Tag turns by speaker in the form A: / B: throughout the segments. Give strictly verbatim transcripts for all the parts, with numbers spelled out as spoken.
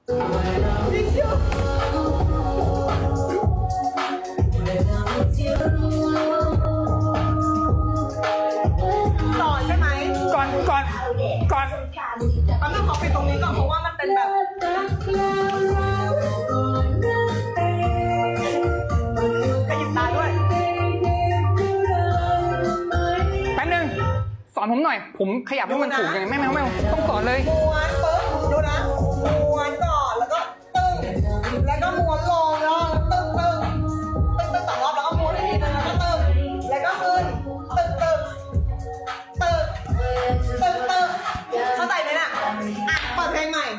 A: ต่อใช่ไหม
B: ก่อนก่อนก่อน
A: มันต้องขอปิดตรงนี้ก่อนเพราะว่ามันเป็นแบบกระยิบตาด้วย
B: แป๊บนึงสอนผมหน่อย ผมขยับให้มันถูกยังไงไม่ไม่ไม่ต้องสอนเลย
A: ม้วนปึ๊บดูนะม้วนก่อนแล้วก็ตึ้งแล้วก็ม้วนลงแล้วตึ้งตึ้งตึ้งตึ้งสองรอบแล้วก็ม้วนอีกทีนึงแล้วก็ตึ้งแล้วก็ขึ้นตึ้งตึ้งตึ้งตึ้งตึ้งเข้าใจไหมน่ะอ่ะเปิดเพลงใหม่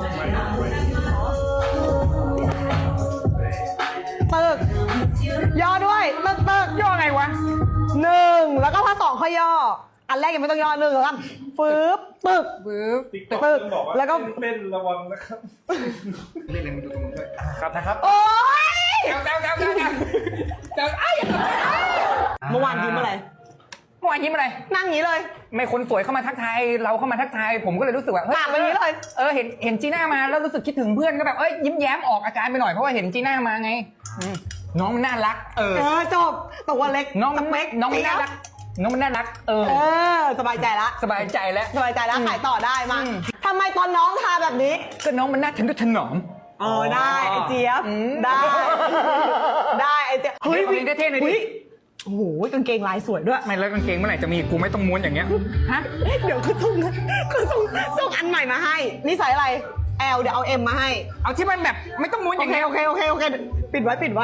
A: ตึกย่อด้วยตึกตึก
B: ย่อไงวะ
A: หนึ่งแล้วก็พอสองค่อยย่ออันแรกยังไม่ต้องย่อหนึ่งแล้วกันฟืบตึก
B: ปึ๊บ
A: ตึกแล้วก็
C: เต้นระวังนะครับ
B: เล่นอะไรมาดูตรงนี้ด้วย
C: ครับนะครับ
A: โอ๊ย
B: แซวแซวแซวแซวแซวแซวไอ้ย
A: เมื่อวานยิ้มอะไร
B: เมื่อวานยิ้มอะไร
A: นั่งอย่างนี้เลย
B: ไม่คนสวยเข้ามาทักทายเราเข้ามาทักทายผมก็เลยรู้สึกว่าเฮ้ย
A: ปากแบบนี้เลย
B: เออเห็นเห็นจีน่ามาแล้วรู้สึกคิดถึงเพื่อนก็แบบเอ้ยยิ้มแย้มออกอาการไปหน่อยเพราะว่าเห็นจีน่ามาไงอืมน้องมันน่ารัก เออ
A: เออจบตัวเล็ก
B: น้องมัน
A: สเปค
B: น้องมันน่ารักน้องมันน่ารัก เออ
A: เออสบายใจละ
B: สบายใจแล้ว
A: สบายใจแล้วขายต่อได้มา
B: อืม
A: ทำไมตอนน้องทาแบบนี้
B: ก็น้องมันน่าทะนุถนอม
A: เออได้ไอเจี๊ยบ
B: อืม
A: ได้ ได้ไอเจี๊ยบ
B: เฮ้ยเพลงเท่ๆหน่อยดิ
A: ฮ้โอ้โหกางเกงลายสวยด้วย
B: ไม่แล้วกางเกงเมื่อไหร่จะมีกูไม่ต้องม้วนอย่างเงี้ยฮะ
A: เดี๋ยวคือส่งคือส่งส่งอันใหม่มาให้นี่ใส่อะไร L เดี๋ยวเอา M มาให้
B: เอาที่มันแบบไม่ต้องม้วนอ
A: โอย่าง เค
B: เงี้ย
A: โอเคโอเคโอเคปิดไว้ปิดไว้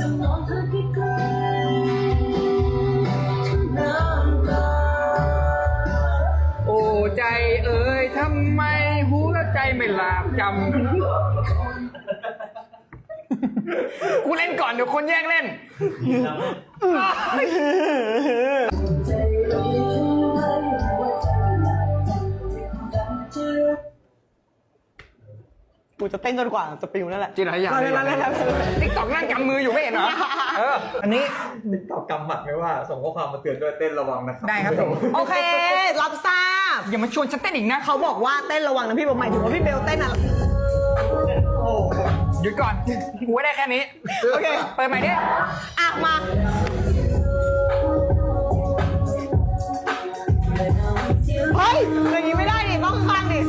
B: โอ้ใจเอ่ยทำไมหูและใจไม่หลาบจำ กูเล่นก่อนเดี๋ยวคนแย่งเล่น
A: กูจะเต้นจนกว่าจะปิวนั่นแหละ
B: จีไรอย่าง
A: เล่นเล่นเล่นเล่น
B: ติ๊กตอกนั่งกำมืออยู่ไม่เห็นเหรอ เออ อันนี้
C: ติ๊กตอกกำหมัดไม่ว่าส่งข้อความมาเตือนด้วยเต้นระวังนะครับ
B: ได้ครับผม
A: โอเค รับทราบ
B: อย่ามาชวนฉันเต้นอีกนะ
A: เขาบอกว่าเต้นระวังนะพี่บอกหมายถึงว่าพี่เบลเต้นอะ
C: โอ้โห
B: หยุดก่อนกูได้แค่นี้
A: โอเค
B: เปิดใหม่ดิ
A: อ่ะมาเฮ้ยอย่างนี้ไม่ได้ดิต้องข้างดิ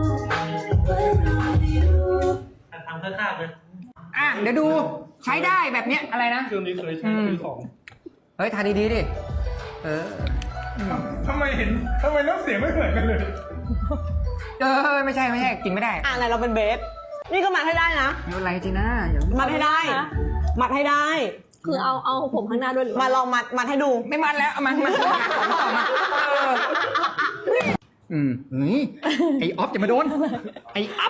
C: ทำข้างๆเลย
B: อ่ะ เดี๋ยวดูใช้ได้แบบเนี้ยอะไรนะ
C: เครื่องนี้เคยใช้ซื้อของ
B: เฮ้ยทาดีๆดิ เออ
C: ทำไมเห็นทำไมน้ำเสียงไม่เหมือนกันเลย
B: เออ ไม่ใช่ไม่ใช่กินไม่ได้
A: อ่ะไหนเราเป็นเบส นี่ก็มัดให้ได้นะ
B: ไม่เป็นไรจีน่าอย่า
A: มัดให้ได้ มัดให้ได้
D: คือเอาเอาผมข้างหน้าด้วยหรือ
A: มาลองมัดมัดให้ดู
B: ไม่มันแล้วเอามามาต่อมาเอออืมนี่ไอออฟจะมาโดน ไอออฟ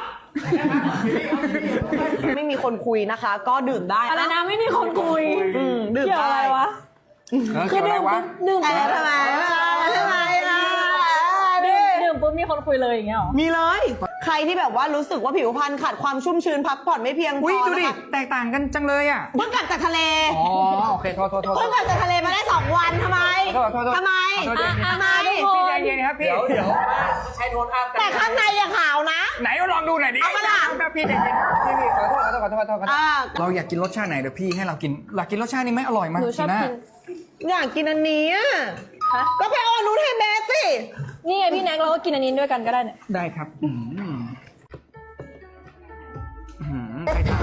A: ไม่มีคนคุยนะคะ ก็ดื่มได้
D: อะไรนะไม่มีคนคุย
A: อืมดื่ม
D: เกี่ยว
A: ได้
D: อะไรวะ
B: เออ
D: คื
B: เกี่
D: อ
B: ยวอะไร
D: ดื่ม
B: วะ
D: ปุ๊บดื่ม
A: เอ
D: ปุ๊
A: อบ ทำไมทำไมอ่ะ
D: ดื่มดื่มปุ๊บมีคนคุยเลยอย่างเงี้ยหรอ
A: มีเลย ใครที่แบบว่ารู้สึกว่าผิวพรรณขาดความชุ่มชื้นพักผ่อนไม่เพียงพ
B: อุ้ย
A: อ
B: ดูดิ
A: นะคะ
B: แตกต่างกันจังเลยอ่ะ
A: เพิ่งกลับจากทะเล
B: อ๋อโอเคโทษโทษโทษ
A: เพิ่งกลับจากทะเลมาได้สองวันทำไม
B: โทษโทษโทษ
A: ทำไม
B: ขอโทษ
A: ทำไม
B: พี่ใจเย็นครับพี่
C: เดี๋ยวเดี๋ยวใช้โทนอัพกัน
A: แต่ข้างในยังขาวนะ
B: ไหนลองดูหน่อยดิ
A: เอามาล่ะ
B: พี่ใจเย็นพี่พี่ขอโทษขอโทษขอโทษขอโทษขอโทษ
A: อ่า
B: เราอยากกินรสชาติไหนเดี๋ยวพี่ให้เรากินอยากกินรสชาตินี้ไหมอร่อยมาก
D: หนูชอบ
B: จีน่า
D: กิน
A: อยากกินอันนี้อะ
D: ฮะ
A: ก็ไปเอาอันนู้นให้เบสสิ
D: นี่ไงพี่แน็กเราก็กินอันนี้ด้วยกันก็ได้เนี่ย
B: ได้ครับอืมอืมใครทาน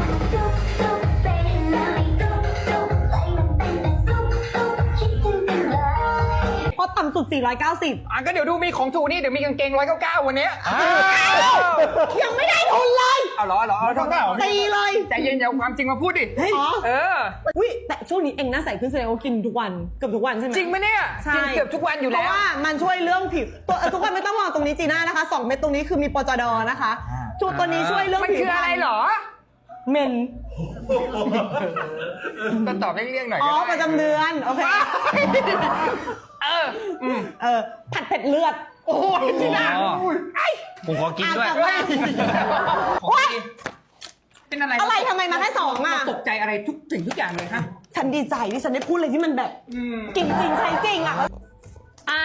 A: เพราะต่ำสุดสี่ร้อยเก้าสิบ
B: อ่ะก็เดี๋ยวดูมีของถูกนี่เดี๋ยวมีกางเกงร้อยเก้าเก้าวันเนี้ย
A: ยังไม่ได้ทุนเลย
B: เอาเหรอเหรอเอาเท่าเท่า
A: ตีเลย
B: ใจเย็นอย่าเอาความจริงมาพูดดิ
A: อ๋อ
B: เออ
A: อุ้ยแต่ช่วงนี้เองหน้าใสขึ้นแสดงว่ากินทุกวันเกือบทุกวันใช่ไหม
B: จริงไหมเนี่ย
A: ใช่
B: กินเกือบทุกวันอยู่
A: เพ
B: แล้ว
A: ราะว่ามันช่วยเรื่องผิวตัวเอ่อทุกคนไม่ต้องมองตรงนี้จีน่านะคะสองเม็ดตรงนี้คือมีปจดนะคะจุดตัวนี้ช่วยเรื่อง
B: มัน
A: ผิว
B: คืออะไรเหรอ
A: เมน
B: ก็ตอบเลี่ยงๆหน่อย
A: อ๋อ
B: ก็ได้
A: ประจำเดือนโอเค
B: เอออืม
A: เออผัดเผ็ดเลือด
B: โอ้ยจีน่า
C: อ๋อ
B: ไอ้
C: ผมขอกินด้วย
A: อ่ะแต่ว่า
B: ของดีเป็นอะไร
A: อะไรทำไมมาแค่สองอ่ะ
B: ตกใจอะไรทุกสิ่งทุกอย่างเลยฮะ
A: ฉันดีใจที่ฉันได้พูดอะไรที่มันแบบ
B: อืม
A: กินจริงใช้จริงอ่ะ
D: อ่ะ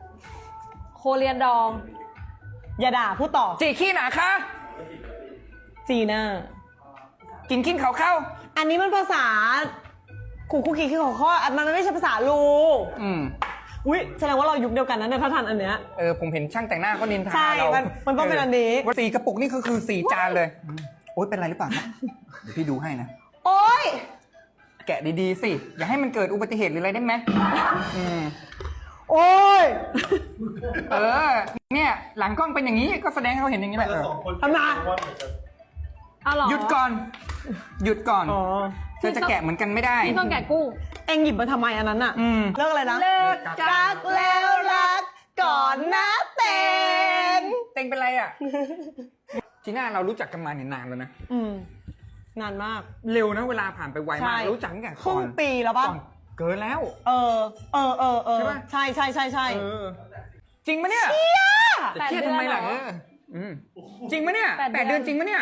D: โคเรียนดอง
A: อย่าด่าพูดต่อ
B: จีขี้หนาคะ
A: จีน่า
B: กินขิ้นเขาเข้า
A: อันนี้มันภาษาขู่คุกกี้คือของข้อมันไม่ใช่ภาษาลู
B: อืม
A: อุ้ยแสดงว่าเรายุคเดียวกันนะเนี่ยถ้าทันอันเนี้ย
B: เออผมเห็นช่างแต่งหน้าเขานินทา
A: ใช่
B: เรา
A: มันมันต้องเป็นอันนี้
B: ว่าสี่กระปุกนี่คือคือสี่จานเลยอืมโอ๊ยเป็นไรหรือเปล่าครับเดี๋ยวพี่ดูให้นะ
A: โอ๊ย
B: แกะดีๆสิ อย่าให้มันเกิดอุบัติเหตุหรืออะไรได้ไหมอืม
A: โอ๊ย
B: เออ เนี่ย หลังกล้องเป็นอย่างนี้ก็แสดงให้เขาเห็นอย่างนี้แหละเออ
A: ทำไม
D: เอาเหรอ
B: หยุดก่อน หยุดก่อน
A: อ๋อ
B: เธอจะแกะเหมือนกันไม่ได้
D: พี่ต้องแกะกุ้ง
A: เอ็งหยิบมาทำไมอันนั้นอะ
B: อืม
A: เลิกอะไรนะ
B: เลิก
A: รักแล้วรักก่อนนะเต็ง
B: เต็งเป็นไรอ่ะ จีน่าเรารู้จักกันมาเนี่ยนานแล้วนะ
A: อืมนานมาก
B: เร็วนะเวลาผ่านไปไวมาก
A: ใช่
B: รู้จักตั้งแต่
A: ค
B: ก่
A: รึ่
B: อง น
A: ปีแล้วป่ะ
B: ก่อนเกินแล้ว
A: เออ เออเออเออ
B: ใช่ปะ
A: ใช่ใช่ใช่ใช่
B: เออ จริงปะเนี่ย จะเครียดทำไมล่ะ
D: แปด
B: เอ
D: เดือนเหรอ
B: ออืมจริงปะเนี่ย
D: แปดเดือน
B: แปดเดือนจริงปะเนี่ย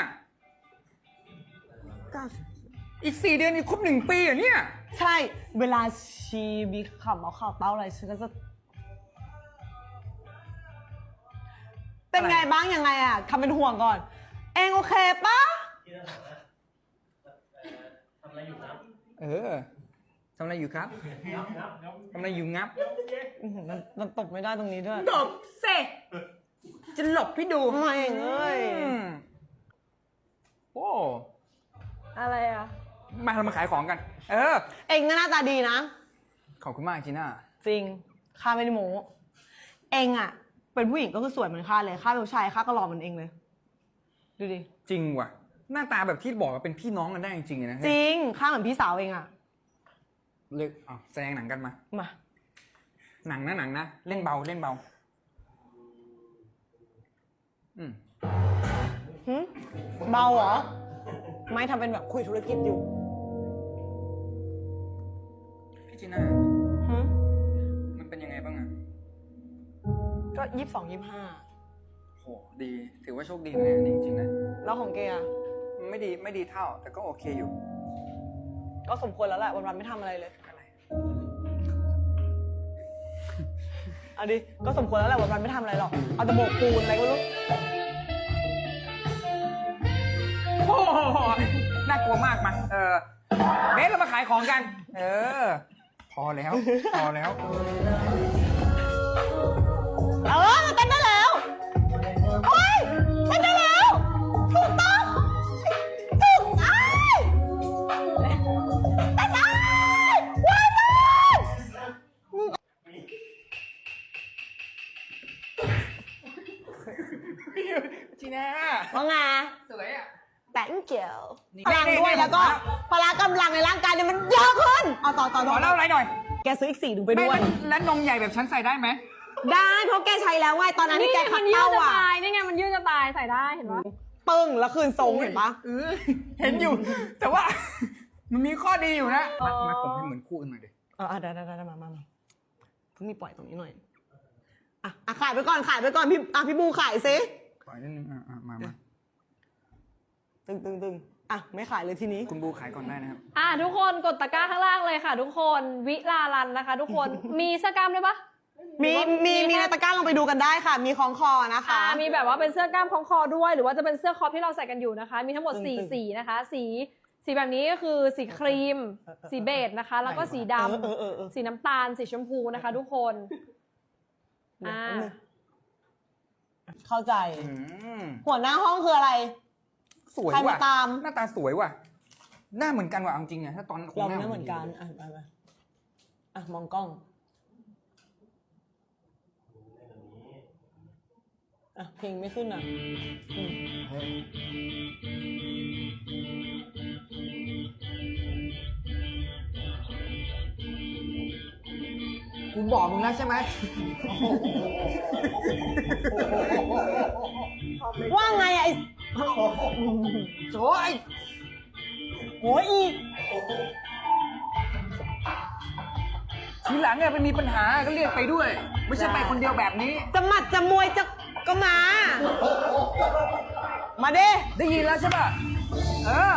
B: อีกสี่เดือนอีกครบหนึ่งปีเหรอเนี่ย
A: ใช่ เวลาชีมีขำเอาข่าวเต้าอะไรฉันก็จะ เป็นไงบ้างยังไงอะทำเป็นห่วงก่อน เองโอเคปะ
B: เออทำอะไรอยู่ครับทำอะไรอยู่งับ
A: อื้อหือมันมันตบไม่ได้ตรงนี้ด้วย
B: หลบเซจะหลบพี่ดู
A: ไม่เอ้ย
B: อืมโอ้
D: อะไรอ่ะ
B: มาเรามาขายของกัน เออ
A: เองก็หน้าตาดีนะ
B: ขอบคุณมากจีน่า
A: จริง ข้าไม่ได้โม้เองอะเป็นผู้หญิงก็คือสวยเหมือนข้าเลย ข้าเป็นผู้ชายข้าก็หล่อเหมือนเองเลย ดูดิ
B: จริงว่ะ หน้าตาแบบที่บอกว่าเป็นพี่น้องกันได้จริงๆเลยนะ
A: จริง ข้าเหมือนพี่สาวเองอะ
B: เลิกเอาแสดงหนังกันมา
A: มา
B: หนังนะหนังนะ เล่นเบาเล่นเบา อืม
A: หึเบาเหรอ ไม่ทำเป็นแบบคุยธุรกิจอยู่
B: พี่จีน่า
A: หึ
B: มันเป็นยังไงบ้างอะ
A: ก็ยี่สิบสองยี่สิบห้า
B: โหดี ถือว่าโชคดีนะเนี่ยจริงๆนะ
A: แล้วของเกย์อะ
B: ไม่ดีไม่ดีเท่า แต่ก็โอเคอยู่
A: ก็สมควรแล้วแหละวันๆไม่ทำอะไรเลย
B: อะไร
A: เอาดิ ก็สมควรแล้วแหละวันๆไม่ทำอะไรหรอก เอาแต่โบกปูนอะไรก็ไม่รู้
B: โอ้โหน่ากลัวมากมา เออเบสเรามาขายของกัน เออ พอแล้ว พอแล้ว
A: เออมันเต้นได้แล้วโอ้ยเต้นได้แล้ว ถูกต้อง ถูกอ้ายเต้นได้ว้ายมาก
B: จีน่า
A: ว่าไง
B: สวยอ่ะ
A: thank you
B: นี่
A: พลัง
B: นี่
A: ด้วย
B: นี่
A: แล้วก็
B: ผม
A: พละกำลังในร่างกายเนี่ยมันเยอะขึ้น เอาต่อต่อ
B: ข
A: ต่
B: อ
A: อ
B: เล่าอะไรหน่อย
A: แกซื้ออีกสี่ถุงไปด้วย
B: แม่แล้วนมใหญ่แบบฉันใส่ได้ไหม
A: ได้เพราะแกใช้แล้วไงตอนนั้นที่
D: นี่
A: แก
D: ไง
A: ขั
D: มั
A: ด
D: นยืด
A: เต้า
D: จะ
A: อ่ะ
D: ตาย นี่ไงมันยืดจะตายใส่ได้เห็นปะ
A: ปึ้งแล้วคืนทรงเห็นปะ
B: เออเห็นอยู่ แต่ว่า มันมีข้อดีอยู่นะ มามาผมให้เหมือนคู่กันหน่อยดิ
A: เออได้ได้ได้มามามาเพิ่งมีปล่อยตรงนี้หน่อย อ่ะอ่ะขายไปก่อนขายไปก่อนพี่อ่ะพี่บูขายซิ
B: ปล่อยนิดนึงอ่ะอ่ะมามา
A: ตึงตึงตึงอ่ะไม่ขายเลยทีนี้
B: คุณบูขายก่อนได้นะครับ
D: อ่ะทุกคนกดตะกร้าข้างล่างเลยค่ะ ทุกคนวิลาลันนะคะ ทุกคนมีเสื้อกล้ามด้วยปะ
A: มีมีมีในตะกร้าลงไปดูกันได้ค่ะ มีคล้องคอนะคะ
D: อ่ามีแบบว่าเป็นเสื้อกล้ามคล้องคอด้วย หรือว่าจะเป็นเสื้อคอปที่เราใส่กันอยู่นะคะ มีทั้งหมด
A: ตึงๆ
D: สี่สีนะคะ สีสีแบบนี้ก็คือสีครีม สีเบจนะคะ แล้วก็สีด
A: เออเออเออ
D: ำสีน้ำตาล สีชมพูนะคะ ทุกคน
A: เดี๋ยว
D: อ่า
A: แป๊บนึงเข้าใจ
B: อืม
A: หัวหน้าห้องคืออะไร
B: สวย
A: ใครมา
B: ว่ะ
A: ตาม
B: หน้าตาสวยว่ะ หน้าเหมือนกันว่ะเอาจริงอะถ้าตอนคง
A: เรา
B: หน้า
A: ไม่เหมือนกัน อ่ะไปไปอ่ะมองกล้อง อ่ะเพลงไม่ขึ้นอ่ะอืม
B: กูบอกมึงแล้วใช่ไหม
A: ว่าไงอ่ะไอ้
B: โจ้ย
A: โอ้ยอีก
B: ทีหลังเนี่ยไปมีปัญหาก็เรียกไปด้วย ไม่ใช่ไปคนเดียวแบบนี้
A: จะหมัดจะมวยจะก็มา มาดิ
B: ได้ยินแล้วใช่ป่ะ เออ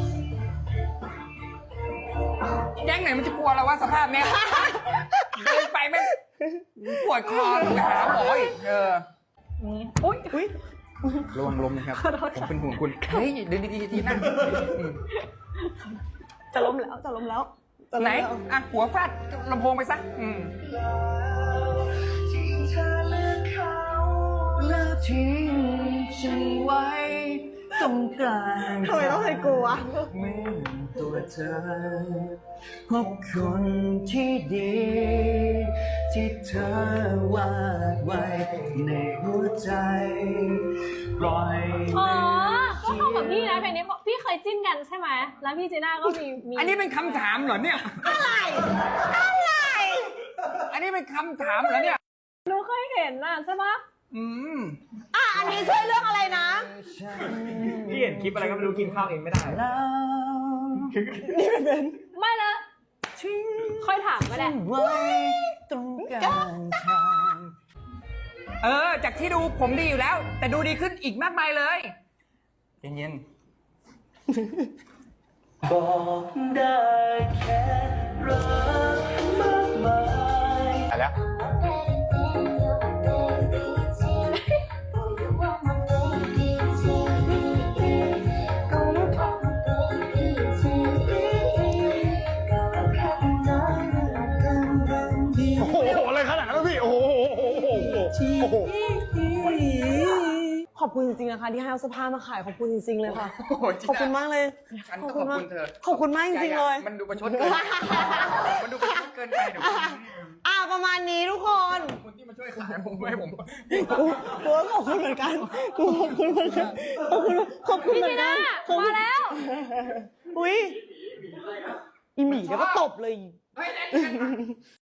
B: แก๊งไหนมันจะกลัวเราวะสภาพเนี้ย เดินไปแม่งปวดคอไปหาหมออีกเออ
D: อุ้ย
A: อุ้ย
B: ระวังลมนะครับ ผมเป็นห่วงคุณ เฮ้ยเดินดีๆทีนั่งอืม
A: จะล้มแล้วจะล้มแล้วจะล้ม
B: ไหน
A: แล้ว
B: อ่ะ หัวฟาดลำโพงไปซะอืม
C: ที่เธอเลือกเขา
B: แล้วทิ้งฉันไว้ตรงกลาง
A: ทำไมต้องให้กูวะ
B: เมื่อตัวเธอพบคนที่ดี ที่เธอวาดไว้ในหัวใจปล่อย
D: อ๋อ ก็เข้ากับพี่นะเพลงนี้พี่เคยจิ้นกันใช่ไหม แล้วพี่จีน่าก็มีมี
B: อันนี้เป็นคำถามเหรอเนี่ย
A: อะไรอะไร
B: อันนี้เป็นคำถามเหรอเนี่ย
D: หนูเคยเห็นน่ะใช่ปะ
B: อืม
A: อ่ะอันนี้ช่วยเรื่องอะไรนะ
C: พี่เห็นคลิปอะไรก็ไม่รู้กินข้าวเองไม่ได้
A: นี่เป็น
D: ไม่ละค่อยถามก็ได้
B: ไว้ตรงกลางทางเออ จากที่ดูผมดีอยู่แล้ว แต่ดูดีขึ้นอีกมากมายเลยเย็น
C: บอกได้แค่รักมากมาย
B: ๆอะไรแล้ว
E: โอ้โหอะไรขนาดนั้นวะพี่ โอ้โหโอ้โหโอ้โห
A: ขอบคุณจริงๆนะคะที่ให้เอาเสื้อผ้ามาขายขอบคุณจริงๆเลยค่ะ
B: โอ้โหจี
A: ขอบคุณ
B: น่า
A: มากเลย
B: ฉันก็ขอบคุณเธอ
A: ขอบคุณมากจริงๆเลย
B: มันดูประชดเกิน มันดูประชดเกินไปเดี๋ยว
A: อ่ะประมาณนี้ทุกคน
B: คนที่มาช่วยขายผมไม่ให้ผม
A: กูกูก็ขอบคุณเหมือนกันกูขอบคุณเหมือนกันขอบคุณขอบคุณ
D: พี่
A: เหมื
D: จี
A: อนกั
D: น่าน
A: ขอบคุณ
D: มาแล้ว
A: อุ้ยอีหมีเดี๋ยวก็ตบเลย
B: เฮ้ย